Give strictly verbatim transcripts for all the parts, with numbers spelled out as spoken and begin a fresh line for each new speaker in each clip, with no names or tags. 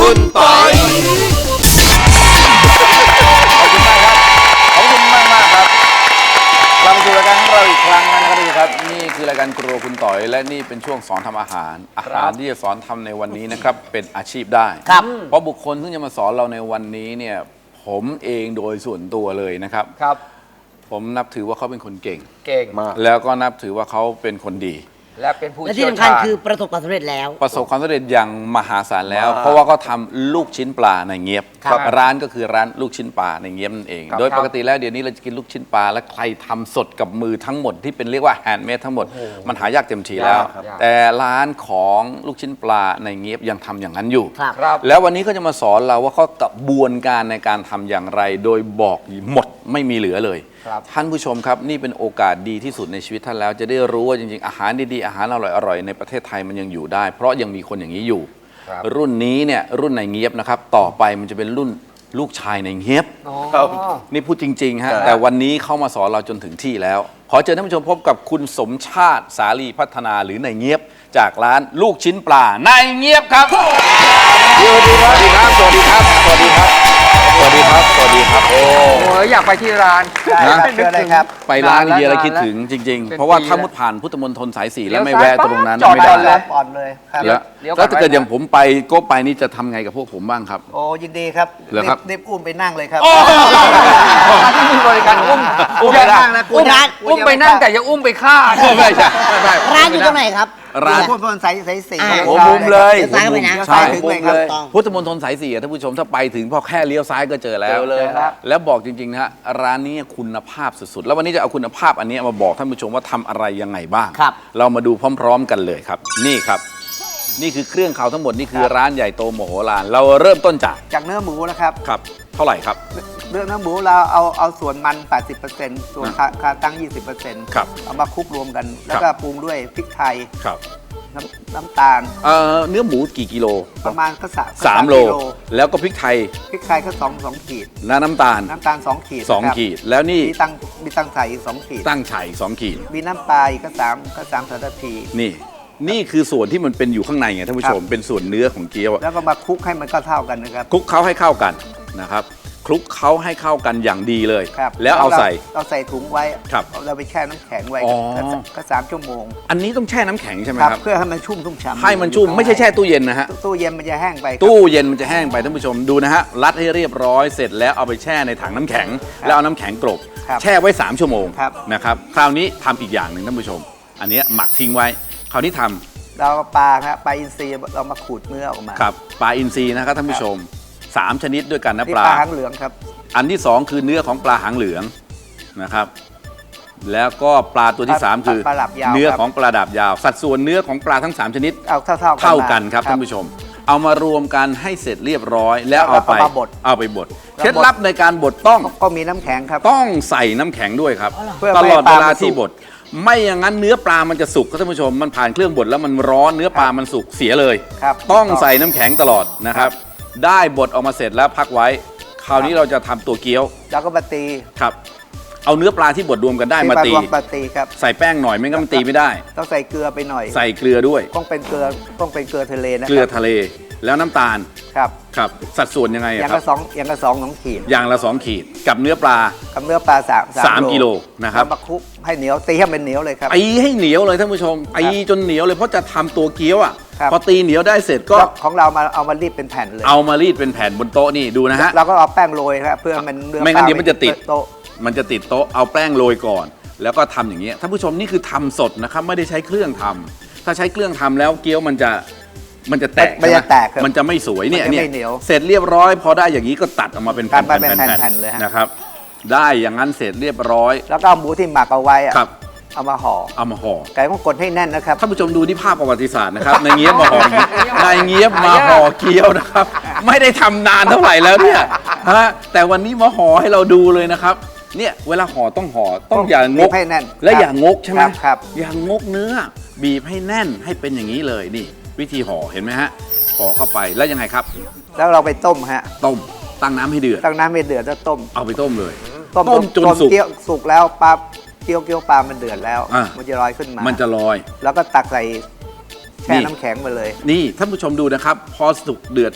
คุณปอยขอบคุณมากครับขอบคุณมากมากครับกลับมาสู่รายการของเราอีกครั้งนะครับทุกท่านครับนี่คือรายการครัวคุณต่อยและนี่เป็นช่วงสอนทำอาหารอาหารที่จะสอนทำในวันนี้นะครับเป็นอาชีพได้ครับเพราะบุคคลที่จะมาสอนเราในวันนี้เนี่ยผมเองโดยส่วนตัวเลยนะครับครับผมนับถือว่าเขาเป็นคนเก่ง
เก่งมาก
แล้วก็นับถือว่าเขาเป็นคนดี
และเป็นผู้
และที่สำคัญคือประสบความสำเร็จแล้ว
ประสบความสำเร็จอย่างมหาศาลแล้วเพราะว่าเขาทำลูกชิ้นปลาในเงียบร้านก็คือร้านลูกชิ้นปลาในเงียบนั่นเองโดยปกติแล้วเดี๋ยวนี้เราจะกินลูกชิ้นปลาและใครทำสดกับมือทั้งหมดที่เป็นเรียกว่าแฮนด์เมดทั้งหมดมันหายากเต็มทีแล้วแต่ร้านของลูกชิ้นปลาในเงียบยังทำอย่างนั้นอยู่แล้ววันนี้ก็จะมาสอนเราว่าเขากระบวนการในการทำอย่างไรโดยบอกหมดไม่มีเหลือเลยท่านผู้ชมครับนี่เป็นโอกาสดีที่สุดในชีวิตท่านแล้วจะได้รู้ว่าจริงๆอาหารดีๆอาหารอร่อยๆในประเทศไทยมันยังอยู่ได้เพราะยังมีคนอย่างนี้อยู่รุ่นนี้เนี่ยรุ่นในเงียบนะครับต่อไปมันจะเป็นรุ่นลูกชายในเงียบนี่พูดจริงๆฮะแต่วันนี้เข้ามาสอนเราจนถึงที่แล้วขอเชิญท่านผู้ชมพบกับคุณสมชาติสาลีพัฒนาหรือในเงียบจากร้านลูกชิ้นปลาในเงียบครับสวัสดีครับสวัสดีครับสวัสดีครับสวัสดีครับสวัสดีครับโอ้
ยอยากไปที่ร้าน
นะเชิญเลยครับไปร้านเดียร์คิดถึงจริงๆเพราะว่าถ้ามุดผ่านพุทธมณฑลสายสี่แล้วไม่แวะตรงนั้นไม่ได้
แล้วอ่อนเลยครับ
แล้วถ้าเกิดอย่างผมไปก็ไปนี่จะทำไงกับพวกผมบ้างครับ
โอ้ยินดีครับ
เหรอครับ
เด็บอุ้มไปนั่งเลยครับ
ที่มีบริการอุ้ม
อุ้มไปนั่งนะ
อุ้มอุ้มไปนั่งแต่อย่าอุ้มไปฆ่า
ไม่ใช่ไม่ใช่
ร้านอยู่ตรงไหนครับ
ร้านพุทธมณฑลสายสายสี่
โอ้มุมเลย
ซ้ายไปนะ
ใช่ถึงเลยครับพุทธมณฑลสายสี่ท่านผู้ชมถ้าไปถึงพอแค่เลี้ยวซ้ายก็เจอแล้วแล้วบอกจริงๆนะฮะร้านนี้คุณภาพสุดๆแล้ววันนี้จะเอาคุณภาพอันนี้มาบอกท่านผู้ชมว่าทำอะไรยังไงบ้างเรามาดูพร้อมๆกันเลยครับนี่ครับนี่คือเครื่องเขาทั้งหมดนี่คือร้านใหญ่โตโมโหลานเราเริ่มต้นจาก
จากเนื้อหมูนะครับ
ครับเท่าไหร่ครับ
เนื้อเนื้อหมูเราเอาเอาส่วนมัน แปดสิบเปอร์เซ็นต์ ส่วนคาตั้ง ยี่สิบเปอร์เซ็นต์
ครับ
เอามาคลุกรวมกันแล้วก็ปรุงด้วยพริกไทย
ครับ
น้ำน้ำตาล
เอ่อเนื้อหมูกี่กิโล
ประมาณก็
สามโลแล้วก็พริกไทย
พริกไทยก็สองสองขีด
และน้ำตาล
น้ำตาลสองขีด
สองขีดแล้วนี่
มีตั้งมีตั้งไฉอีกสองขีด
ตั้งไฉสองขีด
มีน้ำปลาอีกก็สามก็สามสัปที
นี่นี่คือส่วนที่มันเป็นอยู่ข้างในไงท่านผู้ชมเป็นส่วนเนื้อของเกี๊ยว
แล้วก็มาคลุกให้มันก็เท่ากันนะครับ
คลุกเคล้าให้เข้ากันนะครับคลุกเคล้าให้เข้ากันอย่างดีเลยแล้วเอาใส่
เอาใส่ถุงไว้
ครับ
เราไปแช่น้ำแข็งไว้ก็สามชั่วโมง
อันนี้ต้องแช่น้ำแข็งใช่ไหมครับ
เพื่อให้มันชุ่มชุ่มฉ่ำ
ให้มันชุ่มไม่ใช่แช่ตู้เย็นนะฮะ
ตู้เย็นมันจะแห้งไป
ตู้เย็นมันจะแห้งไปท่านผู้ชมดูนะฮะรัดให้เรียบร้อยเสร็จแล้วเอาไปแช่ในถังน้ำแข็งแล้วเอาน้ำแข็งกลบแช่ไว้สามชั่วโมงนะครับคราวนี้ทำอีกอย่างหนึ่งท่านผู้ชมอันนี้หมักทิ้งไว้คราวนี้ทำ
เราปลาครับปลาอินทรีเรามาขูดเนื้อออกมา
ครับปลาอินทรีนะครับท่านผู้ชมสามชนิดด้วยกันนะปลา
หางเหลืองครับ
อันที่สองคือเนื้อของปลาหางเหลืองนะครับแล้วก็ปลาตัวที่สามคือเนื้อของปลาดาบยาวสัดส่วนเนื้อของปลาทั้งสามชนิด
เอาเท่าๆ
เท่ากันครับท่านผู้ชมเอามารวมกันให้เสร็จเรียบร้อยแล้วเอาไปเอาไปบดเคล็ดลับในการบดต้อง
ก็มีน้ำแข็งครับ
ต้องใส่น้ำแข็งด้วยครับตลอดเวลาที่บดไม่อย่างนั้นเนื้อปลามันจะสุกครับท่านผู้ชมมันผ่านเครื่องบดแล้วมันร้อนเนื้อปลามันสุกเสียเลยต้องใส่น้ำแข็งตลอดนะครับได้บดออกมาเสร็จแล้วพักไว้คราวนี้เราจะทำตัวเกี๊ยว
แล้วก็มาตี
ครับเอาเนื้อปลาที่บดรวมกันได้มาตี
มาตีครับ
ใส่แป้งหน่อยไม่งั้นมันตีไม่ได้
ต้องใส่เกลือไปหน่อย
ใส่เกลือด้วย
ต้องเป็นเกลือต้องเป็นเกลือทะเลนะ
เกลือทะเลแล้วน้ำตาล
ครับ
ครับสัดส่วนยังไง
อย่างละสองอย่างละสองสองขีด
อย่างละสองขีดกับเนื้อปลา
กับเนื้อปลาสาม
สามกิโลนะครับ
มาคลุกให้เหนียวตีให้เป็นเหนียวเลยครับ
ตีให้เหนียวเลยท่านผู้ชมตีจนเหนียวเลยเพราะจะทำตัวเกี๊ยวอ่ะพอตีเหนียวได้เสร็จก็
ของเรามาเอามารีดเป็นแผ่นเลย
เอามารีดเป็นแผ่นบนโต๊ะนี่ดูนะฮะ
เราก็เอาแป้งโรยครับเพื่อมัน
เนื้อไม่งั้นเดี๋ยวมันจะติดโต๊ะมันจะติดโต๊ะเอาแป้งโรยก่อนแล้วก็ทำอย่างเงี้ยท่านผู้ชมนี่คือทำสดนะครับไม่ได้ใช้เครื่องทำถ้าใช้เครื่องทำแล้วเกี๊ยวมันจะมันจะแตก
มันจะแตก
มันจะไม่สวยเนี่ยเนี่ยเสร็จเรียบร้อยพอได้อย่างนี้ก็ตัดออกมาเป็นแผ่นๆเลยนะครับได้อย่างนั้นเสร็จเรียบร้อย
แล้วก็เอาหมูที่หมักเอาไว้
ครับ
เอามาห่อ
เอามาห่อ
ไก่ต้องกดให้แน่นนะครับ
ท่านผู้ชมดูที่ภาพประวัติศาสตร์นะครับในเงี้ยมาห่อในเงี้ยมาห่อเกี๊ยวนะครับไม่ได้ทำนานเท่าไหร่แล้วเนี่ยฮะแต่วันนี้มาห่อให้เราดูเลยนะครับเนี่ยเวลาห่อต้องห่อต้องอย่างก
ให้แน่น
และอย่างงกใช่ไหม
ครับ
อย่างงกเนื้อบีบให้แน่นให้เป็นอย่างนี้เลยนี่วิธีห่อเห็นไหมฮะห่อเข้าไปแล้วยังไงครับ
แล้วเราไปต้มฮะ
ต้มตั้งน้ำให้เดือด
ตั้งน้ำให้เดือดแล้วต้ม
เอาไปต้มเลย
ต้มจนสุกสุกแล้วปั๊บเกี๊ยวเกี๊ยวปลามันเดือดแล้วมันจะลอยขึ้นมา
มันจะลอย
แล้วก็ตักใส่แช่น้ำแข็งไปเลย
นี่ท่านผู้ชมดูนะครับพอสุกเดือด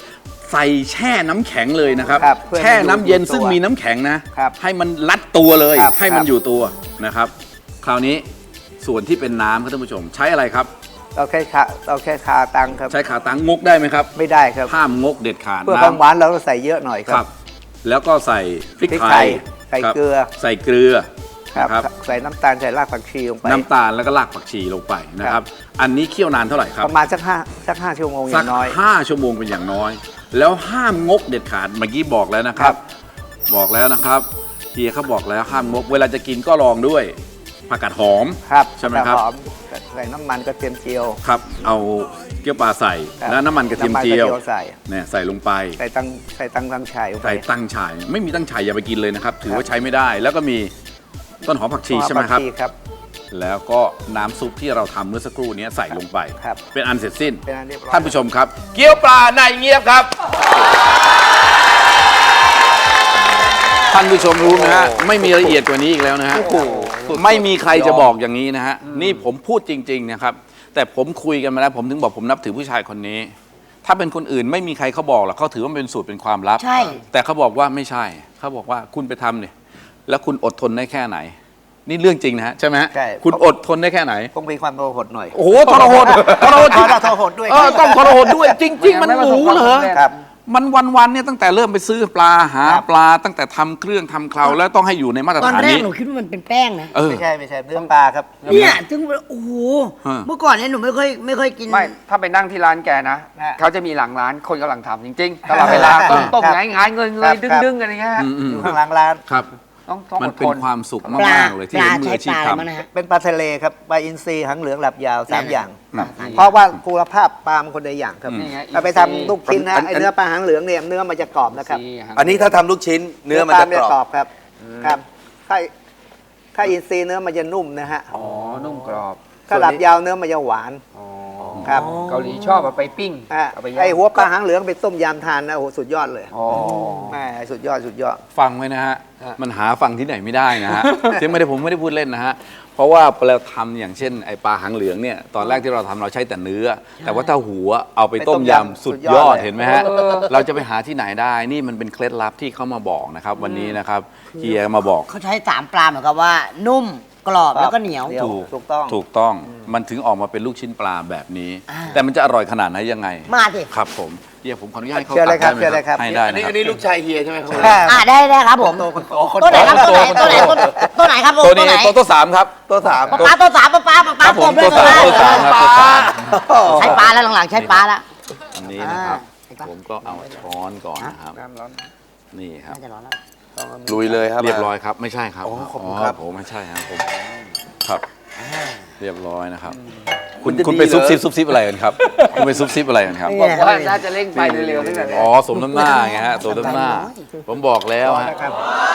ใส่แช่น้ำแข็งเลยนะครับ
ครับเพื่อให้
แช่น้ำเย็น
อยู่ตัว
ซึ่งมีน้ำแข็งนะครับ ให้มันรัดตัวเลย
ครับ
ให้มัน
ครับ
อยู่ตัวนะครับ คราวนี้ส่วนที่เป็นน้ำครับท่านผู้ชม ใช้อะไรครับ
เราแค่คาเราแค่คาตังครับ
ใช้ขาตั้งงกได้ไหมครับ
ไม่ได้ครับ
ห้ามงกเด็ดขาด
เพื่อความหวานเราก็ใส่เยอะหน่อยค
ค
รั
รับ บ แล้วก็ใส่พริก
พริก
ไท
ไท
ย
ยใส่
ครับ
เกลือ
ใส่เกลือ
ครับ
นะครับ
ใส่น้ำตาลใส่รากผักชีลงไป
น้ำตาลแล้วก็รากผักชีลงไปนะครับ อันนี้เคี่ยวนานเท่าไหร่ครับ
ประมาณสักห้าสักห้าชั่วโมงอ
สั
ย่างน้อย
ห้าชั่วโมงเป็นอย่างน้อย แล้วห้ามงกเด็ดขาดเมื่อกี้บอกแล้วนะครั
ครับ บ
บอกแล้วนะครับเฮียเขาบอกแล้วห้ามงก เวลาจะกินก็ลองด้วยผักกาดหอม
ครับ
ใช่ไหมครับ
หอมใส่น้ำมันกระเทียมเจียว
ครับ เอาเกี๊ยวปลาใส่
ครับ
แล้วน้ำมันกระเทียม
น้ำมัน
เจียว
กระเทียมใส่
เนี่ยใส่ลงไป
ใส่ตังใส่ตังตังชายลงไป
ใส่ตั้งฉ่ายไม่มีตั้งฉ่ายอย่าไปกินเลยนะครับ ถือว่าใช้ไม่ได้ แล้วก็มีต้นหอมผักชีใช่ไหมครับ
ผักชีครับ
แล้วก็น้ำซุปที่เราทำเมื่อสักครู่นี้ใส่ลงไป
ครับ
เป็นอันเสร็จสิ้น
เป็นอันเรียบร้อย
ท่านผู้ชมครับ เกี๊ยวปลาในเงียบครับ ท่านผู้ชมรู้นะฮะไม่มีละเอียดกว่านี้อีกแล้วนะฮะไม่มีใครจะบอกอย่างนี้นะฮะนี่ผมพูดจริง ๆ นะครับ แต่ผมคุยกันมาแล้วผมถึงบอกผมนับถือผู้ชายคนนี้ ถ้าเป็นคนอื่นไม่มีใครเขาบอกหรอกเขาถือว่ามันเป็นสูตรเป็นความลับ
ใช่
แต่เขาบอกว่าไม่ใช่เขาบอกว่าคุณไปทำเนี่ยแล้วคุณอดทนได้แค่ไหน นี่เรื่องจริงนะฮะใช่ไหมฮะ
ใช่
คุณอดทนได้แค่ไหน
ต้องมีความโลภหน่อย
โอ้โหทรหดทรหด
ทรหดด้วย
เออต้องทรหดด้วย จริง ๆ มันหมูเหรอ
ครับ
มันวันๆเนี่ยตั้งแต่เริ่มไปซื้อปลาหา
ครับ
ปลาตั้งแต่ทำเครื่องทำเคราวแล้วต้องให้อยู่ในมาตร
ตอน
ฐาน
แรก
นี้
หนูคิดว่ามันเป็นแป้งนะ
เออ
ไม่ใช่ไม่ใช่เนื้อปลาครับ
เนี่ยถึงโอ้โห
ฮะ
เมื่อก่อนเนี่ยหนูไม่ค่อยไม่ค่อยกิน
ไม่ถ้าไปนั่งที่ร้านแกนะ
ฮะ
เขาจะมีหลังร้านคนกำลังทำจริงๆตลอดเวลาต้มต้ม
ครับ
งายงายเงยเง
ครั
ย
บ
ดึง
ครับ
ดึงอะไรเงี้ยฮะ
อืมอืม
อยู่ข้างหลังร้าน
ครับ
ต้องต้อง
มั
อน ด
เป็น
ทน
ความสุข
ปลาม
ากๆเลยที่
ปลา
เห็นมือ
ใช้
อาชี
ป
พ
ลาอะไรบ้าง
ทำ
นะฮะ
เป็นปลาทะเลครับปลาอินทรีหางเหลืองหลับยาวสาม
นั่น
อย่าง
ครับ
เพราะว่าคุณภาพปลามันคนละอย่างครับ
นี่ไง
เราไปทำลูกชิ้นนะ
อัน
ไอเนื้อปลาหางเหลืองเนี่ยเนื้อมันจะกรอบนะครับ
อันนี้ถ้าทำลูกชิ้นเนื้อมันจะ
ปลาก
รอบ
ครับครับถ้าถ้าอินทรีเนื้อมันจะนุ่มนะฮะ
อ๋อนุ่มกรอบ
ถ้าหลับยาวเนื้อมันจะหวาน
อ๋อ
ครับ
เกาหลีชอบเอาไปปิ้ง
ฮะ
เอาไปย่าง
ไอหัวปลาหางเหลืองไปต้มยำทานนะโอ้โหสุดยอดเลย
อ๋อ
แม่สุดยอดสุดยอด
ฟังไว้นะฮะ
ฮะ
มันหาฟังที่ไหนไม่ได้นะ ฮะ ที่ไม่ได้ผมไม่ได้พูดเล่นนะฮะ เพราะว่าเราทำอย่างเช่นไอปลาหางเหลืองเนี่ย ตอนแรกที่เราทำเราใช้แต่เนื้อ แต่ว่าถ้าหัวเอาไปต้มยำสุดยอดเห็นไหมฮะ เราจะไปหาที่ไหนได้ นี่มันเป็นเคล็ดลับที่เขามาบอกนะครับ วันนี้นะครับเฮียมาบอก
เขาใช้สามปลาเหมือนกับว่า นุ่มกรอบแล้วก็เหนียว
เหนียว
ถูก
ถูกต้อง
ถูกต้อง มันถึงออกมาเป็นลูกชิ้นปลาแบบนี้
อ่า
แต่มันจะอร่อยขนาดไหนยังไง
มาสิ
ครับผมเฮียผมขออนุญาตให้เขา
เชิญเลยครับ
ตัก
เชิญเลยครับ
ให้ได้
อัน
นะ
นี้
ครั
อั
บ
นนี้ลูกชายเฮียใช่ไหมครับ
อ่าได้ได้ครับผม
โตคนโตคน
ตัวไหนครับตัวไหนตัวไหนตัวตัวไหนครับผม
ตัว
ตัว
นี้
ไหน
ตัวตัวสามครับ
ตัวสาม
ปลาปลาตัวสามปลาปลาปลาป
ค
ลา
รับผม
ตัว
ตัว
เบล
สาม
อ
ตัวสามครับตัวสาม
ใช้ปลาแล้วหลังๆใช้ปลาแล้ว
อันนี้นะครับ
อ่า
ผมก็เอาช้อนก่อนนะครับ
น้ำร้อน
นี่ครับ
น่าจะร้อนแล้ว
ลุยเลยครับ
เรียบร้อยครับ ไม่ใช่ครับ
อ๋อขอบคุณครับ
ผมไม่ใช่ครับผมครับ เรียบร้อยนะครับ คุ
มั
ณ
นจะ
คุณไป
ดีเหรอ
ซุบซิบซุบซิบอะไรกันครับ คุณไปซุบซิบอะไรกันครับ
นี่
บอกว่าน่าจะเร่งไปเร็วๆตั้งแต่
อ๋อสมน้ำหน้าไงฮะสมน้ำหน้า ผมบอกแล้วฮะ
นะครับ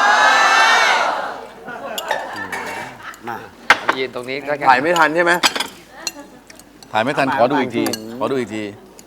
มา
ยืนตรงนี้ก็
ถ่ายไม่ทันใช่ไหม
ถ่ายไม่ทันขอดูอีกที ขอดูอีกที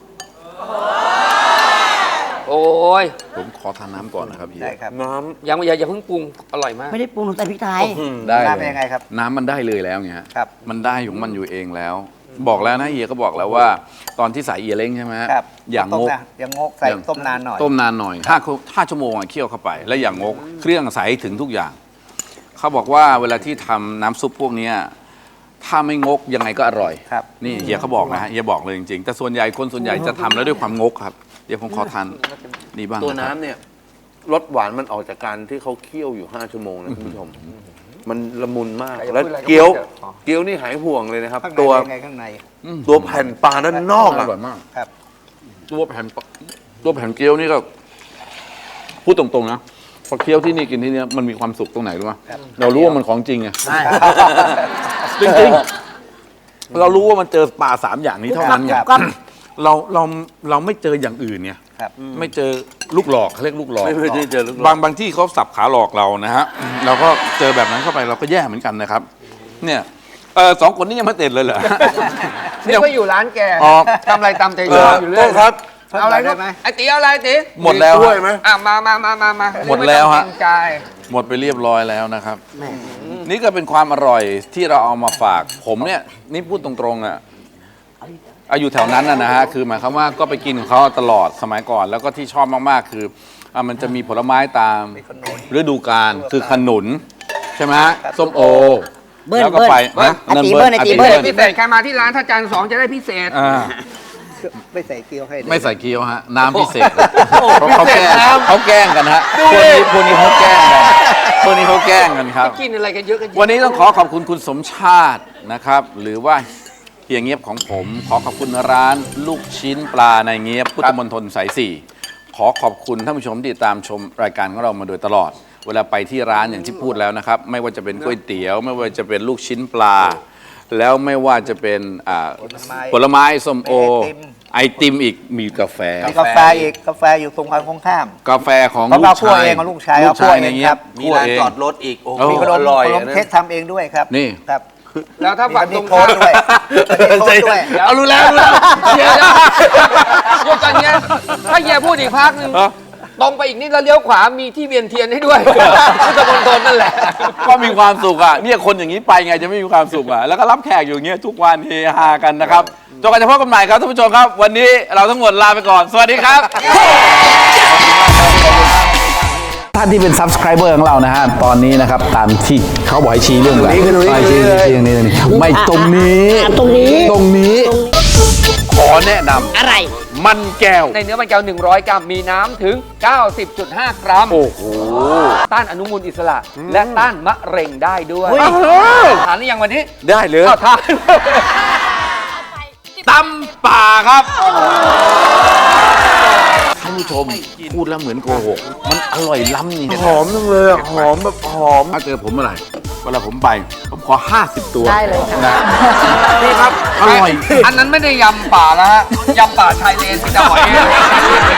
โอ้ย
ผมขอทานน้ำก่อนนะครับพี่
ได้ครับ
น้
ยังอย่าอย่าเพิ่งปรุงอร่อยมาก
ไม่ได้ปรุงหนูใส่พริกไทย
ได้
น้ำ
เล
เป็น
ย
ยังไงครับ
น้ำมันได้เลยแล้วไงฮะ
ครับ
มันได้ของมันอยู่เองแล้ว บอกแล้วนะเฮียก็บอกแล้วว่า ตอนที่ใส่เอียเล้งใช่ไหมฮะ
ครับ
อย่าง
ต้
ง
ม
ก
นะอย่างงกใส่ต้มนานหน่อย
ต้มนานหน่อยห้าห้าชั่วโมงอะเคี่ยวเข้าไป แล้วอย่างงกเครื่องใสถึงทุกอย่าง เขาบอกว่าเวลาที่ทำน้ำซุปพวกเนี้ยถ้าไม่งกยังไงก็อร่อย
ครับ
นี่เฮียเขาบอกนะฮะเฮียบอกเลยจริงๆ แต่ส่วนใหญ่คนส่วนใหญ่จะทำแล้วด้วยความงกครับ เดี๋ยวผมขอทานนี่บ้าง
ำตัว
ะครับ
น้ำเนี่ยรสหวานมันออกจากการที่เขาเคี่ยวอยู่ห้าชั่วโมงนะคุณผู้ชม มันละมุนมาก
ใครจะ
แล้ว
พูดอะไรก็
เกี๊ยว
พูดเถอะอ๋อ
เกี๊ยวนี่หายห่วงเลยนะครับ
ข้างใน
ตัว
เป็นไงข้างใน
ตัวแผ่นปลาด้านนอก
อ
อะ
ร่อยมาก
ครับ
ตัวแผ่นปะตัวแผ่นเกี๊ยวนี่ก็พูดตรงๆนะพอเคี้ยวที่นี่กินที่นี่มันมีความสุขตรงไหนรู้ไหมเรารู้ว่ามันของจริงไง จริงๆ เรารู้ว่ามันเจอปลาสามอย่างนี้เท่านั้นไง
ก็
เราเราเราไม่เจออย่างอื่นไง
ครับ
ไม่เจอลูกหลอกเขาเรียกลูกหลอก
ไม่ไม่ได้เจอลูกหลอก
บางบางที่เขาสับขาหลอกเรานะฮะเราก็เจอแบบนั้นเข้าไปเราก็แย่เหมือนกันนะครับ เนี่ยเออสองคนนี้ยังไม่เต็ดเลยเหรอ
นี่ก็อยู่ร้านแก
อ๋อ
ทำอะไรตามใจ
เอ
ชอ
อบ
อยู่
โท
เรื่อย
ษครับ
เอาอะไร
ได้
ลูก
ไหม
ไอ้ตีเอาอะไรตี
หมดแล้ว
ช่วย
ฮะ
ไหม
อ่ะมามามามามา
หมดแล้วฮะ
ไต้องเกรงใจ
หมดไปเรียบร้อยแล้วนะครับ
แหม่
นี่ก็เป็นความอร่อยที่เราเอามาฝาก ผมเนี่ยนี่พูดตรงๆอ่ะเอาอยู่แถวนั้นนะนะฮะคือหมายความว่าก็ไปกินของเขาตลอดสมัยก่อน แล้วก็ที่ชอบมากๆคืออ่ะมันจะมีผลไม้ตามฤดูกาลคือขนุนใช่ไหมฮะส้มโอ
เบิ้ล
แล้วก็
เบิ้ล
ไป
เบิ้ล
ฮะ
อาตี
นั่น
เบิ้ลอาตีเบิ้ล
พิเศษใครมาที่ร้านถ้าจานสองจะได้พิเศษ
อ่า
ไม่ใส่เกี๊ยวให้เลย
ไม่ใส่เกี๊ยวฮะน้ำพิเศษเขาเขาแกล้งเขาแกล้งกันฮะพวกนี้พวกนี้เขาแกล้งกันพวกนี้เขาแกล้งกันครับ
กินอะไรกันเยอะกัน
วันนี้ต้องขอขอบคุณคุณสมชาตินะครับ หรือว่าเฮียเงียบของผม ขอขอบคุณร้านลูกชิ้นปลาในเงียบพุทธมณฑลสายสี่ขอขอบคุณท่านผู้ชมที่ติดตามชมรายการของเรามาโดยตลอด เวลาไปที่ร้านอย่างที่พูดแล้วนะครับ ไม่ว่าจะเป็นก๋วยเตี๋ยว ไม่ว่าจะเป็นลูกชิ้นปลา แล้วไม่ว่าจะเป็นอ่าผลไม้ส้มโอ ไอติมอีกมีกาแฟ
มีกาแฟอีกกาแฟอยู่ตรงฝั่งข้าม
กาแฟของ
เพราะ
ลู
เรา
ก
คั่ว
ชาย
เองของลูกชาย
ลูกชาย
เราคั่วเอง
ในเงียบ
ครับ
มีร้านจอดรถอีก โอ้โห
มีขนม
อร่อย
ขนม
นะ
เค้กทำเองด้วยครับ
นี่
ครับ
แล้วถ้าฝั่ง
มี
ตรง
โค้ดด้วยมีโค้ดด้วย
เอารู้แล้วรู้แล้ว
เฮียนะหยุดกันเนี้ยถ้าเฮียพูดอีกพักหนึ่งตรงไปอีกนิดแล้วเลี้ยวขวามีที่เวียนเทียนให้ด้วยพุทธมณฑลนั่นแหละ
ก็มีความสุขอ่ะเนี่ยคนอย่างนี้ไปไงจะไม่มีความสุขอ่ะแล้วก็รับแขกอยู่อย่างเงี้ยทุกวันเฮฮากันนะครับจนกว่าจะพบกันใหม่ครับท่านผู้ชมครับ วันนี้เราทั้งหมดลาไปก่อน สวัสดีครับท่านที่เป็น subscriber ของเรานะฮะตอนนี้นะครับตามที่เขาบอกให้ชี้เรื่องอะไรไม่ชี้ชี้ตรงนี้ตรงนี้ไม่ตรงนี้
อ่ะตรงนี้
ตรงนี้ ขอแนะน
อะไร
ำมันแก้ว
ในเนื้อมันแก้วหนึ่งร้อยกรัมมีน้ำถึง เก้าสิบจุดห้า กรัม
โอ้โห
ต้านอนุมูลอิสระ และต้านมะเร็งได้ด้วย
เฮ้ย
ทานหรือยังวันนี้
ได้เลย
อ้าวทาน
ตำป่าครับท่านผู้ชมพูดแล้วเหมือนโกหกมันอร่อยล้ำนี่
หอมจังเลยอะหอมแบบหอม
ถ้าเจอผมเมื่อไหร่เวลาผมไป ผมขอ ห้าสิบ ตัว
ได้เลยค่ะ
นะนี่ครับ อร่อย
อันนั้นไม่ได้ยำป่าแล้วฮะยำป่าชายเลนที่จะหอย